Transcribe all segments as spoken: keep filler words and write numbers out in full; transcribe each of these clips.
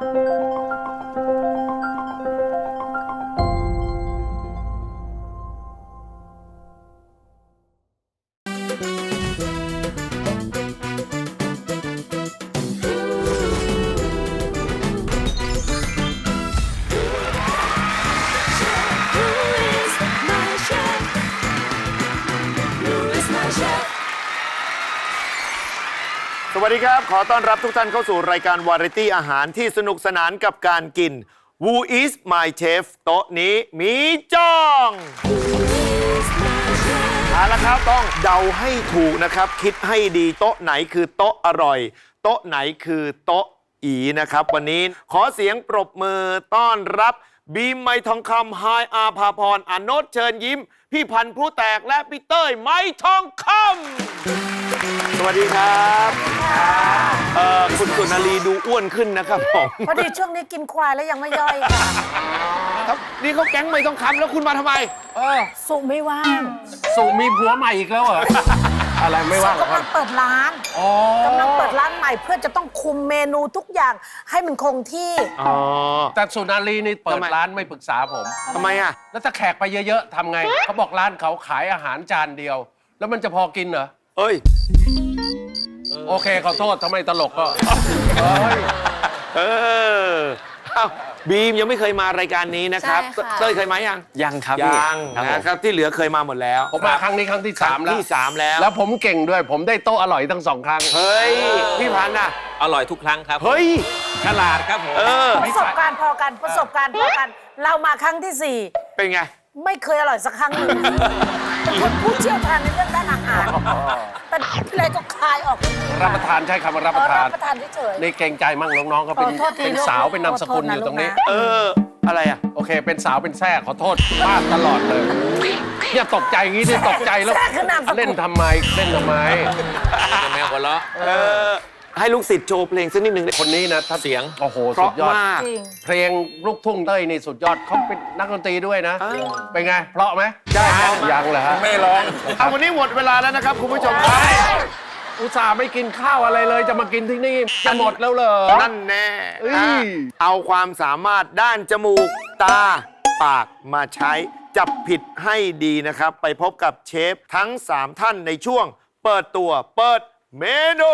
สวัสดีครับขอต้อนรับทุกท่านเข้าสู่รายการวาไรตี้อาหารที่สนุกสนานกับการกิน Who is my chef โต๊ะนี้มีจ้องเอาละครับต้องเดาให้ถูกนะครับคิดให้ดีโต๊ะไหนคือโต๊ะอร่อยโต๊ะไหนคือโต๊ะอีนะครับวันนี้ขอเสียงปรบมือต้อนรับบีมไม้ทองคำไฮอาภาพรอโนชเชิญยิ้มพี่พันธุ์ผู้แตกและพี่เต้ยไม้ทองคำสวัสดีครับเอ่อคุณสุนารีดูอ้วนขึ้นนะครับผมพอดีช่วงนี้กินควายแล้วยังไม่ย่อยค่ะครับนี่เขาแก๊งไม่ต้องคำแล้วคุณมาทำไมเออสุไม่ว่างสุมีผัวใหม่อีกแล้วเหรอ อะไรไม่ว่างกำลังเปิดร้านกำลังเปิดร้านใหม่เพื่อจะต้องคุมเมนูทุกอย่างให้มันคงที่อ๋อแต่สุนารีนี่เปิดร้านไม่ปรึกษาผมทำไมอ่ะแล้วถ้าแขกไปเยอะๆทำไงเขาบอกร้านเขาขายอาหารจานเดียว แล้วมันจะพอกินเหรอเอ้ยโอเคขอโทษทำไมตลกก็เออบีมยังไม่เคยมารายการนี้นะครับเต้ยเคยมายังยังครับยังนะครับที่เหลือเคยมาหมดแล้วผมมาครั้งนี้ครั้งที่สามแล้วที่สามแล้วแล้วผมเก่งด้วยผมได้โต๊ะอร่อยทั้งสองครั้งเฮ้ยพี่พันธุ์น่ะอร่อยทุกครั้งครับเฮ้ยฉลาดครับผมประสบการณ์พอกันประสบการณ์พอกันเรามาครั้งที่สี่เป็นไงไม่เคยอร่อยสักครั้งหนึ่งคนผู้เชี่ยวชาญในเรื่องด้านอาหารแต่อะไรก็คายออกรับประทานใช่คำว่ารับประทานรับประทานเฉยนี่เกรงใจมั่งน้องๆเขาเป็นเป็นสาวเป็นนามสกุลอยู่ตรงนี้เอออะไรอ่ะโอเคเป็นสาวเป็นแท้ขอโทษมากตลอดเลยเนี่ยตกใจงี้นี่ตกใจแล้วเล่นทำไมเล่นทำไมแมวหัวเราะเออให้ลูกศิษย์โชว์เพลงสักนิดหนึ่งคนนี้นะถ้าเสียงโอ้โหสุดยอดเพลงลูกทุ่งเต้ยนี่สุดยอดเขาเป็นนักดนตรีด้วยนะเป็นไงเพราะไหมใช่ยังเหรอฮะไม่ร้องเอาวันนี้หมดเวลาแล้วนะครับคุณผู้ชมครับอุตส่าห์ไม่กินข้าวอะไรเลยจะมากินที่นี่จะหมดแล้วเหรอนั่นแน่เอาความสามารถด้านจมูกตาปากมาใช้จับผิดให้ดีนะครับไปพบกับเชฟทั้งสามท่านในช่วงเปิดตัวเปิดเมนู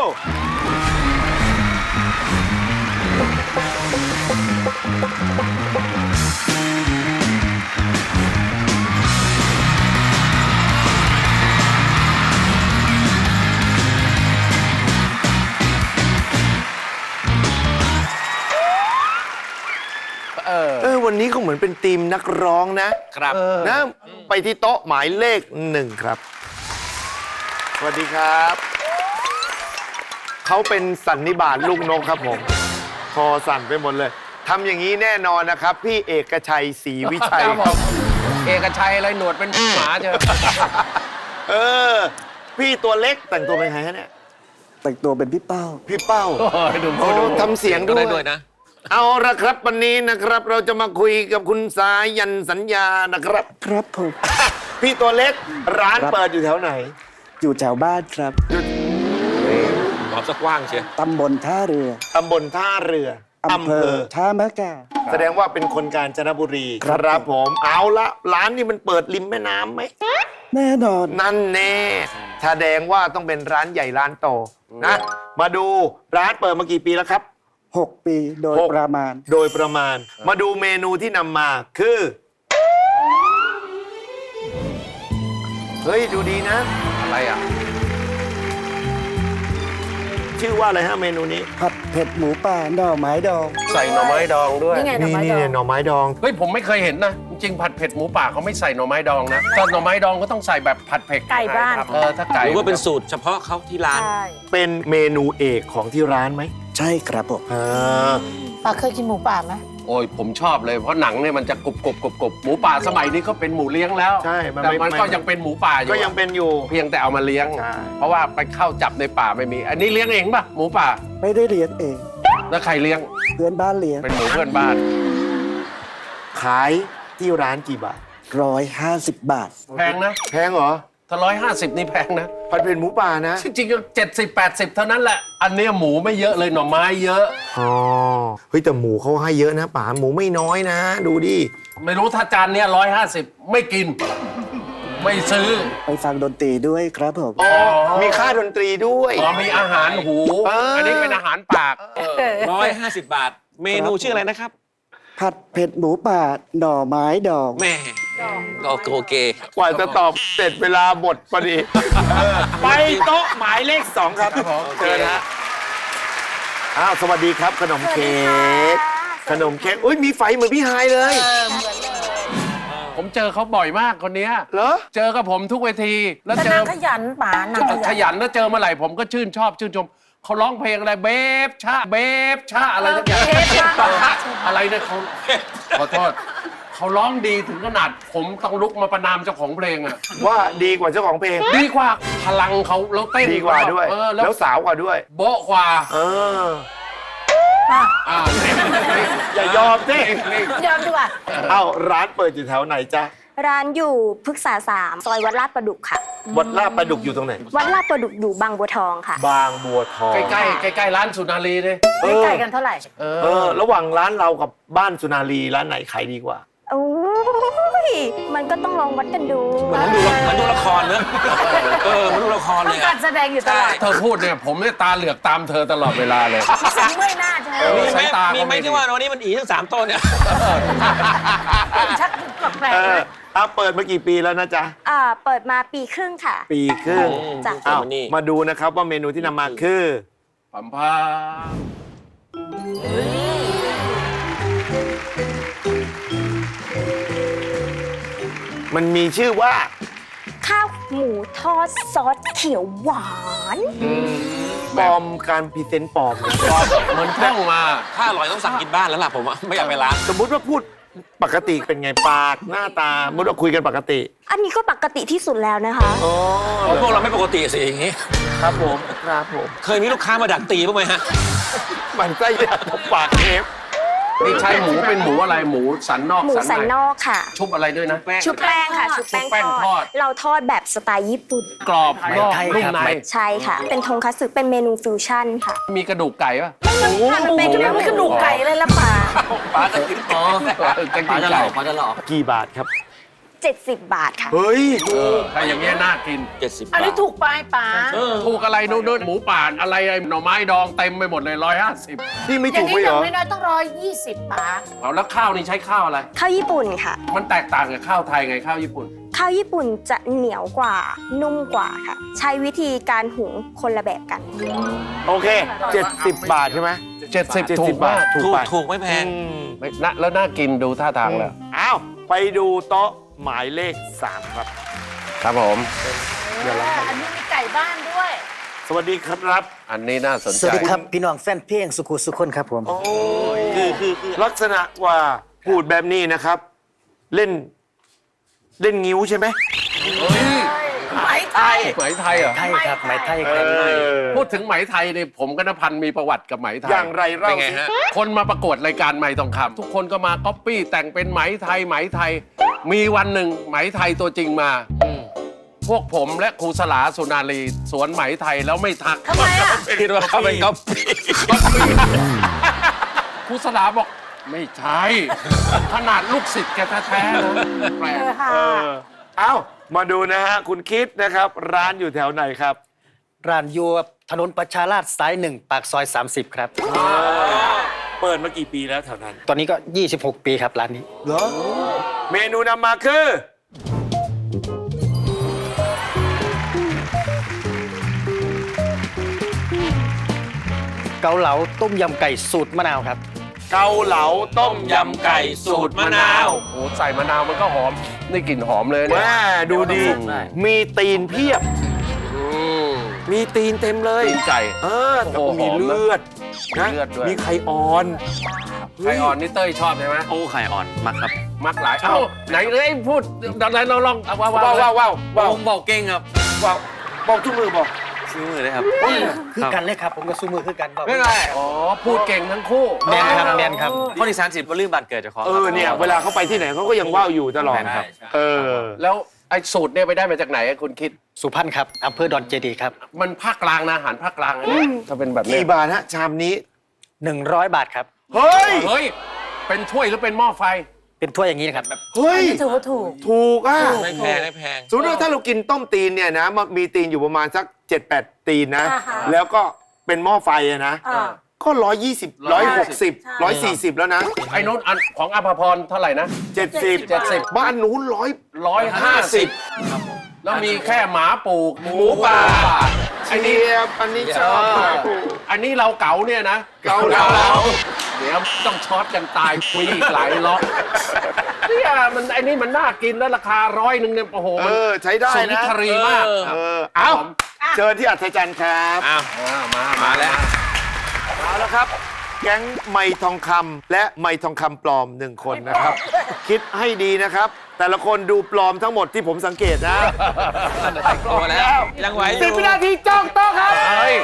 เออวันนี้เขาเหมือนเป็นทีมนักร้องนะครับนะไปที่โต๊ะหมายเลขหนึ่งครับสวัสดีครับเขาเป็นสันนิบาตลูกนกครับผมคอสั่นไปหมดเลยทำอย่างนี้แน่นอนนะครับพี่เอกชัยศรีวิชัยเอกชัยอะไรหนวดเป็นหมาเจอเออพี่ตัวเล็กแต่งตัวเป็นใครฮะเนี่ยแต่งตัวเป็นพี่เป้าพี่เป้าโอ้ทำเสียงด้วยนะเอาละครับวันนี้นะครับเราจะมาคุยกับคุณสายันสัญญานะครับครับผมพี่ตัวเล็กร้านเปิดอยู่แถวไหนอยู่แถวบ้านครับตอบสักกว้างเชียวตำบลท่าเรือตำบลท่าเรืออำเภอท่ามะกาแสดงว่าเป็นคนกาญจนบุรีครับผมเอาละร้านนี้มันเปิดริมแม่น้ำไหมแน่นอนนั่นแน่แสดงว่าต้องเป็นร้านใหญ่ร้านโตนะมาดูร้านเปิดมากี่ปีแล้วครับหกปีโดยประมาณโดยประมาณมาดูเมนูที่นำมาคือเฮ้ยดูดีนะอะไรอ่ะชื่อว่าอะไรฮะเมนูนี้ผัดเผ็ดหมูป่าหน่อไม้ดองใส่หน่อไม้ดองด้วยนี่นี่หน่อไม้ดองเฮ้ยผมไม่เคยเห็นนะจริงผัดเผ็ดหมูป่าเขาไม่ใส่หน่อไม้ดองนะตอนหน่อไม้ดองก็ต้องใส่แบบผัดเผ็ดไก่บ้านเออถ้าไก่หรือว่าเป็นสูตรเฉพาะเขาที่ร้านเป็นเมนูเอกของที่ร้านไหมใช่ครับผมป้าเคยกินหมูป่าไหมโอ้ยผมชอบเลยเพราะหนังเนี่ยมันจะกรุบกรุบกรุบกรุบหมูป่าสมัยนี้ก็เป็นหมูเลี้ยงแล้วใช่แต่มันก็ยังเป็นหมูป่าอยู่ก็ยังเป็นอยู่เพียงแต่เอามาเลี้ยงเพราะว่าไปเข้าจับในป่าไม่มีอันนี้เลี้ยงเองป่ะหมูป่าไม่ได้เลี้ยงเองแล้วใครเลี้ยงเพื่อนบ้านเลี้ยงเป็นหมูเพื่อนบ้านขายที่ร้านกี่บาทร้อยห้าสิบบาทแพงนะแพงเหรอถ้าร้อยห้าสิบนี่แพงนะผัดเผ็ดหมูป่านะจริงๆเจ็ดสิบแปดสิบเท่านั้นแหละ อันเนี้ยหมูไม่เยอะเลยหน่อไม้เยอะอ๋อ เฮ้ยแต่หมูเขาให้เยอะนะป๋าหมูไม่น้อยนะ ดูดิไม่รู้ถ้าจานเนี้ยร้อยห้าสิบไม่กิน ไม่ซื้อไปฟังดนตรีด้วยครับผมอ๋อ มีค่าดนตรีด้วยอ๋อมีอาหารหูเอออัอันนี้เป็นอาหารปากร้อยห้าสิบบาท เมนูชื่ออะไรนะครับผัดเผ็ดหมูป่าหน่อไม้ดองแม่ก็โอเคกว่าจะตอบเสร็จเวลาหมดพอดี ไปโต๊ะหมายเลขสองครับเชิญฮะอ้าว สวัสดีครับ ขนมเค้ก ขนมเค้ก อุ้ย มีไฟเหมือนพี่ไฮายเลยผมเจอเขาบ่อยมากคนเนี้ยเหรอเจอกับผมทุกเวที แล้วแต่เจอนางขยันป๋านางขขยันยันแล้วเจอเมื่อไหร่ผมก็ชื่นชอบชื่นชมเขาร้องเพลงอะไรเบฟชาเบฟชาอะไรสักอย่างเทปมากอะไรเนี่ยเขาขอโทษเขาร้องดีถึงขนาดผมต้องลุกมาประนามเจ้าของเพลงอะว่าดีกว่าเจ้าของเพลงดีกว่าพลังเขาแล้วเต้นดีกว่าด้วยเออแล้วแล้วสาวกว่าด้วยโบ๊ะกว่าเออป่ะอ่านี่นี่อย่ายอมสินี่ยอมดีกว่าเอ้า ร้านเปิดอยู่แถวไหนจ๊ะร้านอยู่พฤกษาสามซอยวัดลาดประดุกค่ะวัดลาดประดุกอยู่ตรงไหนวัดลาดประดุกอยู่บางบัวทองค่ะบางบัวทองใกล้ๆใกล้ๆร้านสุนารีเลยเอไม่อไกลกันเท่าไหร่เอเอออ ระหว่างร้านเรากับบ้านสุนารีร้านไหนขายดีกว่าโอ้ย มันก็ต้องลองวัดกันดูเหมือนดูละเหมือนดูละครเนอะเออเหมือนดูละครต้เลองยกาอะรแสดงอยู่ตลอดเธอพูดเนี่ยผมเนี่ยตาเหลือกตามเธอตลอดเวลาเลยฉันเมื่อยหน้าใช่ไหมมีไหมสายตามีเขาไหมไม่ดีที่ว่าวันนี้มันอีทั้งสามต้นเนี่ยชักแปลกเอๆอนะเอาเปิดมากี่ปีแล้วนะจ๊ะอ่า เปิดมาปีครึ่งค่ะปีครึ่งจ้ะอ้าวมานี่มาดูนะครับว่าเมนูที่นำมาคือปัมพามันมีชื่อว่าข้าวหมูทอดซอสเขียวหวานปลอมการพรีเซนต์ปลอมนะปลอมเหมือนท่องมาถ้าอร่อยต้องสั่งกินบ้านแล้วล่ะผมอะไม่อยากไปร้านสมมุติว่าพูดปกติเป็นไงปากหน้าตาสมมุติว่าคุยกันปกติอันนี้ก็ปกติที่สุดแล้วนะคะอ๋อพวกเราไม่ปกติสิอย่างงี้ครับผมครับผมเคยมีลูกค้ามาดักตีบ้างไหมฮะมันไส้ยาตบปากเทปนี่ใช้หมูเป็นหมูอะไรหมูสันนอกหมูสันในนอกค่ะชุบอะไรด้วยนะชุบแป้งค่ะ ชุบชุบแป้แป้งงททออดด เราทอดแบบสไตล์ญี่ปุ่นกรอบนอกไทยนุ่มครับในใช่ค่ะ เป็นทงคัตสึเป็นเมนูฟิวชั่นค่ะมีกระดูกไก่ป่ะมันเป็นกระดูกไก่เลยละป่าป้าจะกินอ๋อกระดูกไก่กี่บาทครับเจ็ดสิบบาทค่ะเฮ้ยเออถ้าอย่างเงี้ยน่ากินเจ็ดสิบอันนี้ถูกไปป๋าถูกอะไรนู่นนู่นหมูป่านอะไรไอ้หน่อไม้ดองเต็มไปหมดเลยร้อยห้าสิบนี่ไม่อย่าถูงกนี้ไปอเหรย่างอน้อยๆต้องร้อยยี่สิบป๋าเอาแล้วข้าวนี่ใช้ข้าวอะไรข้าวญี่ปุ่นค่ะมันแตกต่างกับข้าวไทยไงข้าวญี่ปุ่นข้าวญี่ปุ่นจะเหนียวกว่า นุ่มกว่าค่ะ ใช้วิธีการหุงคนละแบบกันโอเคเจ็ดสิบบาทใช่ไหมเจ็ดสิบเจ็ดถูสิกบบามาทกถูกถูกไปถูกไม่แพงอืมไม่น่าแล้วน่ากินดูท่าทางแล้วอ้าวไปดูโต๊ะหมายเลขสามครับครับผมเดี๋ยวเราอันนี้มีไก่บ้านด้วยสวัสดีครับอันนี้น่าสนสใจวัสดีครับ พี่น้องแฟนเพลงสุขุสุคนครับผมโอ้ยคือคือคือลักษณะว่าพูดแบบนี้นะครับ เล่น เล่นงิ้วใช่ไหมไหมไทยไหมไทยเหรอไทยครับไหมไทยเอครับอพูดถึงไหมไทยเนี่ยผมกับนพันธ์มีประวัติกับไหมไทยอย่างไรเล่าเป็นไงสิฮะคนมาประกวดรายการไหมทองคำทุกคนก็มาก๊อปปี้แต่งเป็นไหมไทยไหมไทย มีวันหนึ่งไหมไทยตัวจริงมา พวกผมและครูสลาสุนารีสวนไหมไทยแล้วไม่ทักทำไมอ่ะคิดว่าเขาเป็นก๊อปปี้ครูสลาบอกไม่ใช่ ขนาดลูกศิษย์แกแท้ๆนะแปลกเออค่ะเออเอ้ามาดูนะฮะ คุณคิดนะครับ ร้านอยู่แถวไหนครับร้านอยู่ถนนประชาราษฎร์สายหนึ่งปากซอย สามสิบ ครับเปิดมากี่ปีแล้วแถวนั้นตอนนี้ก็ ยี่สิบหก ปีครับร้านนี้เหรอเมนูนำมาคือเกาเหลาต้มยำไก่สูตรมะนาวครับเกาเหลาต้มยำยำไก่สูตรมะนาวโอ้ใส่มะนาวมันก็หอมได้กลิ่นหอมเลยเนี่ยแม่ดูดี มีตีนเพียบอืมมีตีนเต็มเลยตีนไก่เออแล้วก็โอ้โหมีเลือดหอมนะมีเลือดด้วยมีไข่อ่อนไข่อ่อนนี่เต้ยชอบใช่ไหมโอ้ไข่อ่อนมากครับมักหลายเอ้าไหนเอ้ยพูดไหนเราลองเอาว้าวว้าวว้าวว้าวว้าวผมบอกเก่งครับว้าวบอกทุกมือบอกซื้อมือเลยครับคือกันเลยครับ ผมก็สู้มือคือกันบอกไม่เป็นไรอ๋อพูดเก่งทั้งคู่แมนครับแมนครับข้อที่สามสิบว่าลืมบัตรเกิดเจ้าของเออเนี่ย เวลาเขาไปที่ไหนเขาก็ยังว่าวอยู่ตลอดครับเออแล้วไอ้สูตรเนี่ยไปได้มาจากไหนคุณคิดสุพรรณครับอำเภอดอนเจดีย์ครับมันภาคกลางนะอาหารภาคกลางนะเนี่ยถ้าเป็นแบบนี้กี่บาทฮะชามนี้หนึ่งร้อยบาทครับเฮ้ยเฮ้ย เป็นถ้วยหรือเป็นหม้อไฟเป็นถ้วยอย่างนี้นะครับเฮ้ยถือว่าถูกถูกอ่ะไม่แพงไม่แพงสมมติว่าถ้าเรากินต้มตีนเนี่ยนะมันมีตีนอยู่ประมาณสัก เจ็ดแปด ตีนนะอ่าฮะแล้วก็เป็นหม้อไฟอะนะอ่าก็ร้อยยี่สิบร้อยหกสิบร้อยสี่สิบแล้วนะไอ้นู้นอันของอภพรเท่าไหร่นะเจ็ดสิบเจ็ดสิบบ้านนู้นร้อยร้อยห้าสิบแล้วมีแค่หมาปลูกหมูป่าไอ้อันนี่นี้อันนี้ชอบอันนี้เราเก๋าเนี่ยนะเกาเหลาเดี๋ยวต้องช็อตกันตายคุยอีกหลายล็อกเนี่ยมันไอ้นี่มันน่ากินแล้วราคาร้อยหนึ่งเนี่ยโอ้โหเอมันอใช้ได้สุนนะทรีมากเออเอาเชิญที่อัศจรรย์ครับอ้าวอ่ามามาแล้วเอาละครับ แก๊งไม้ทองคำและไม้ทองคำปลอมหนึ่งคนนะครับ คิดให้ดีนะครับ แต่ละคนดูปลอมทั้งหมดที่ผมสังเกตนะแต่งตัวแล้ว ยังไหวอสิบยู่วินาทีจ้องโต๊ะครับเฮ้ย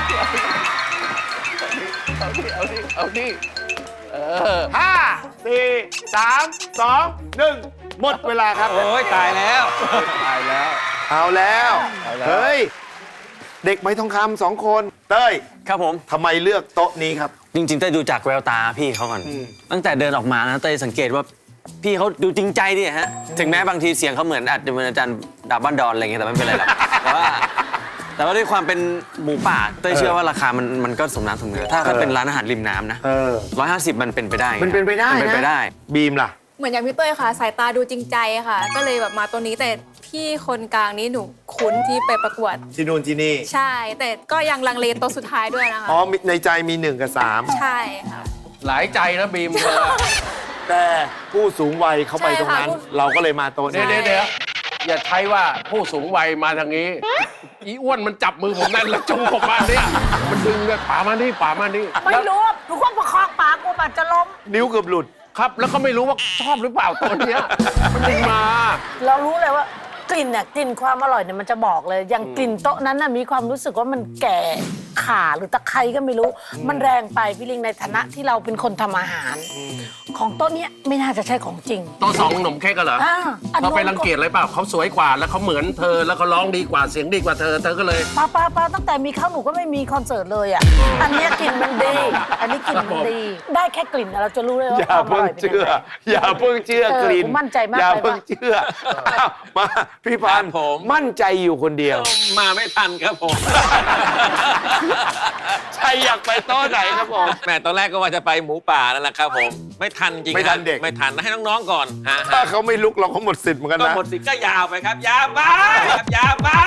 เอาดิเอาดิเอาดิเออห้าสี่สามสองหนึ่งหมดเวลาครับโอ้ยตายแล้วตายแล้วเอาแล้วเอาแล้วเฮ้ย เด็กไม้ทองคำสองคนเต้ยครับผมทำไมเลือกโต๊ะนี้ครับจริงๆเต้ยดูจากแววตาพี่เขาก่อน ตั้งแต่เดินออกมานะเต้ยสังเกตว่าพี่เขาดูจริงใจดิฮะถึงแม้บางทีเสียงเขาเหมือนอาจจะเหมือนอาจารย์ดาบบ้านดอนอะไรเงี้ยแต่ไม่เป็นไรหรอกแต่ว่าแต่ว่าด้วยความเป็นหมูป่าเต้ยเชื่อว่าราคามันมันก็สมน้ำสมเนื้อถ้าถ้าเป็นร้านอาหารริมน้ำนะเออร้อยห้าสิบมันเป็นไปได้มันเป็นไปได้มันเป็นไปนะได้บีมล่ะเหมือนอย่างพี่เต้ยค่ะ สายตาดูจริงใจค่ะ ก็เลยแบบมาตัวนี้แต่พี่คนกลางนี้หนูคุ้นที่ไปประกวดที่นู่นที่นี่ใช่ แต่ก็ยังลังเลตัวสุดท้ายด้วยนะคะอ๋อมีในใจมีหนึ่งกับสามใช่ค่ะหลายใจนะบีมเธอแต่ผู้สูงวัยเขาไปตรงนั้นใช่ค่ะเราก็เลยมาโต๊ะเดี๋ยนี้วเดี๋ยวเดี๋ยวอย่าใช้ว่าผู้สูงวัยมาทางนี้ อีอ้วนมันจับมือผมนั่นแล้วจูงผมมาเนี่ยมันดึงเลยป่ามานี่ป่ามานี่ไม่รู้หนูก็ประคองปากกูอาจจะล้มนิ้วเกือบหลุดครับ แล้วก็ไม่รู้ว่าชอบหรือเปล่าตัวเนี้ยมันดึงมาเรารู้เลยว่ากลิ่นเนี่ยกลิ่นความอร่อยเนี่ยมันจะบอกเลย อย่างกลิ่นโต๊ะนั้นน่ะมีความรู้สึกว่ามันแก่ข่าหรือตะไคร้ก็ไม่รู้ มันแรงไปพี่ลิงในฐานะที่เราเป็นคนทำอาหาร ของโต๊ะเนี้ยไม่น่าจะใช่ของจริงตัวสองขนมเค้กกันเหรออ่าอันเขานู้นไปรังเกียจอะไรเปล่าเขาสวยกว่าแล้วเขาเหมือนเธอแล้วเขาร้องดีกว่าเสียงดีกว่าเธอเธอก็เลยป้าป้าป้าตั้งแต่มีเข้าหนูก็ไม่มีคอนเสิร์ตเลยอ่ะ อันเนี้ยกลิ่นมันดี อันนี้กลิ่นมันดี ได้แค่กลิ่นเราจะรู้เลยว่าอย่าความอเพิ่งร่อยเป็นเชื่ยังอไงอย่าเพิ่งเชื่อเออกลิ่นกูมั่นใจมากอย่าไปเพิ่งปะเชื่ออ้าวมาพี่พันธุ์ครับผมมั่นใจอยู่คนเดียวมาไม่ทันครับผมใช่อยากไปโต๊ะไหนครับผมแม่ตอนแรกก็ว่าจะไปหมูป่านั่นแหละครับผม ไม่ทันจริงไม่ทันครับเด็กไม่ทันให้น้องๆก่อนฮะถ้าเขาไม่ลุกเราก็หมดสิทธิ์เหมือนกันก็นะหมดสิทธิ์ก็ยาวไปครับ ยาวไปครับยาวไป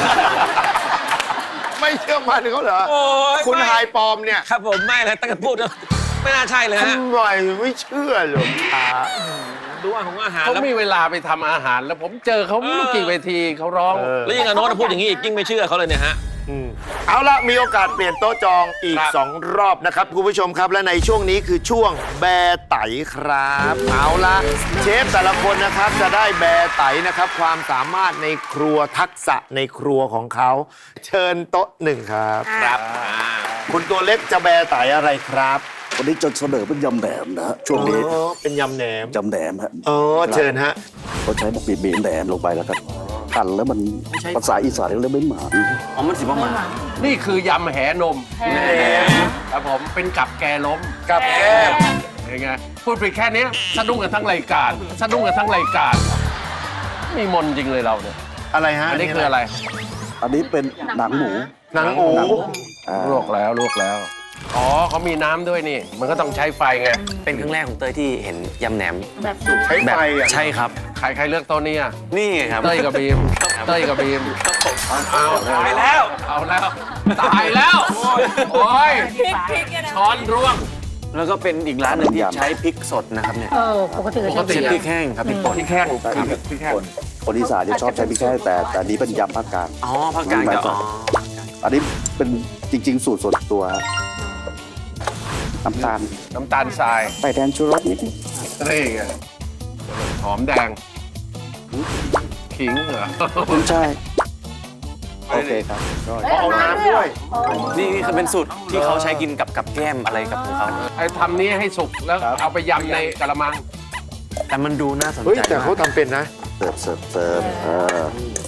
ไม่เชื่อมันเขาเหรอโอ้ยคุณไม่ไฮปลอมเนี่ยครับผมไม่เลยตั้งแต่พูดแล้วไม่น่าใช่เลยฮะทำไมไม่เชื่อหรอกอ่าดูอาหารอาหารเขาแล้วมีเวลาไปทำอาหารแล้วผมเจอเขาไม่รู้กี่เวทีเขาร้องเออแล้วยิ่งอโนตพูดอย่างนี้อีกยิ่งไม่เชื่อเขาเลยเนี่ยฮะอืมเอาละมีโอกาสเปลี่ยนโต๊ะจองอีกครับสองรอบนะครับคุณผู้ชมครับและในช่วงนี้คือช่วงแบร์ไตครับเอาละเชฟแต่ละคนนะครับจะได้แบร์ไตนะครับ ความสามารถในครัวทักษะในครัวของเขา เชิญโต๊ะหนึ่งครับครับคุณตัวเล็กจะแบร์ไตอะไรครับวันนี้จะเสนอเป็นยำแหนมนะฮะช่วงนี้อ๋อเป็นยำแหนมยำแหนมฮะอ๋อเชิญฮะเราใช้บีบบีบแหนมลงไปแล้วครับหั่นแล้วมันภาษาอีสานเรียกไม่หมาอ๋อมันสิบประมาณนี่คือยำแหนมแหนมครับผมเป็นกับแกล้มกับแก้มยังไงพูดไปแค่เนี้ยสะดุ้งกันทั้งรายการสะดุ้งกันทั้งรายการมีมนต์จริงเลยเราเนี่ยอะไรฮะอันนี้คืออะไรอันนี้เป็นหนังหมูหนังหมูอ่าลวกแล้วลวกแล้วอ๋อเขามีน้ำด้วยนี่ มันก็ต้องใช้ไฟไงเป็นครั้งแรกของเต้ยที่เห็นยำแหนมแบบสุกใช้แบบไฟอ่ะใช่ครับใครใครเลือกโตัวนี้อ่ะนี่ไงครับเต้ยกับบีมเต้ยกับบีมเอาตายแล้วเอาแล้วตายแล้วโอ้ยช้อนร่วงแล้วก็เป็นอีกร้านหนึ่งที่ใช้พริกสดนะครับเนี่ยเออปกติก็ปกติจะพริกแห้งครับพริกป่นพี่แข้งแต่อีกพี่แข้งคนคนอีสานจะชอบใช้พริกแค่แต่แต่อันนี้เป็นยำภาคกลางอ๋อภาคกลางจะอ๋ออันนี้เป็นจริง ๆ สูตรส่วนตัวฮะน้ำตาลน้ำตาลทรายใส่แทนชูรสนิดนึงนี่ไงหอมแดงขิงเหรอคุณใช่โอเคครับก็เอาน้ำด้วยนี่นี่คือเป็นสูตรที่เขาใช้กินกับกับแก้มอะไรกับของเขาไอ้ทำนี้ให้สุกแล้วเอาไปยำในกะละมังแต่มันดูน่าสนเฮ้ยใจแต่เขามากทำเป็นนะสิร์ฟเสิร์ฟเสิร์ฟเออ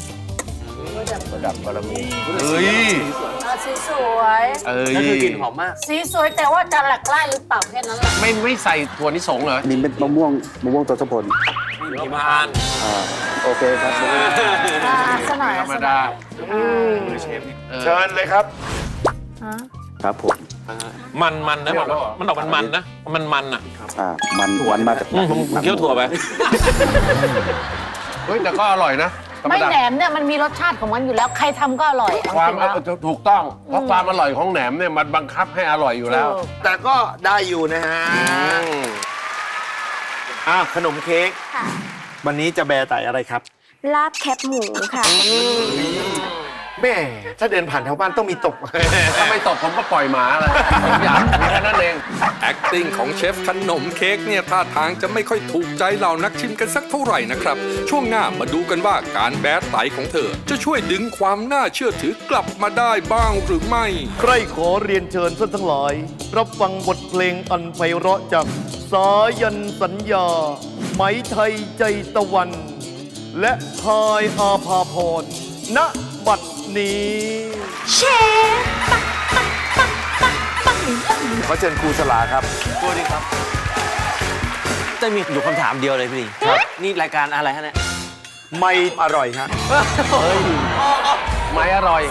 เฮ้ยอ่ะสีสวยเอ้ยนั่นคือกลิ่นหอมมากสีสวยแต่ว่าจะหลักไล่หรือเปล่าแค่นั้นแหละไม่ไม่ใส่ถั่วนิสงเหรออันนี้เป็นมะม่วงมะม่วงตัวสะพลมีมานอ่าโอเคครับอ่ะสกหน่อยธรรมดาเชิญเลยครับครับผมมันมันนะมันมันออกมันมันนะ มันมันอ่ะอ่ามันมันมาจากอืมผมผมเคี้ยวถั่วไปเฮ้ยแต่ก็อร่อยนะธรรมไม่ดาแหนมเนี่ยมันมีรสชาติของมันอยู่แล้วใครทำก็อร่อยเอาความจริงแล้วถูกต้อง เพราะความอร่อยของแหนมเนี่ยมันบังคับให้อร่อยอยู่แล้วถูกแต่ก็ได้อยู่นะฮะอ่ะขนมเค้กค่ะวันนี้จะแบร์ไต่อะไรครับลาบแคบหมูค่ะแม่ถ้าเดินผ่านแถวบ้านต้องมีตกถ้าไม่ตกผมก็ปล่อยหมาเลยผมอยากมีแค่นั้นเอง acting ของเชฟขนมเค้กเนี่ยท่าทางจะไม่ค่อยถูกใจเหล่านักชิมกันสักเท่าไหร่นะครับ ช่วงหน้ามาดูกันว่าการแบดไตของเธอ จะช่วยดึงความน่าเชื่อถือกลับมาได้บ้างหรือไม่ใครขอเรียนเชิญท่านทั้งหลาย รับฟังบทเพลงอันไพเราะจากสายันสัญญา ไหมไทยใจตะวัน และพายอาภาพรณบัดนี้เชฟขอเชิญครูสลาครับสวัสดีครับจะมีอยู่คำถามเดียวเลยพี่ลิงครับนี่รายการอะไรฮะเนี่ยไม่อร่อยครับไม่อร่อย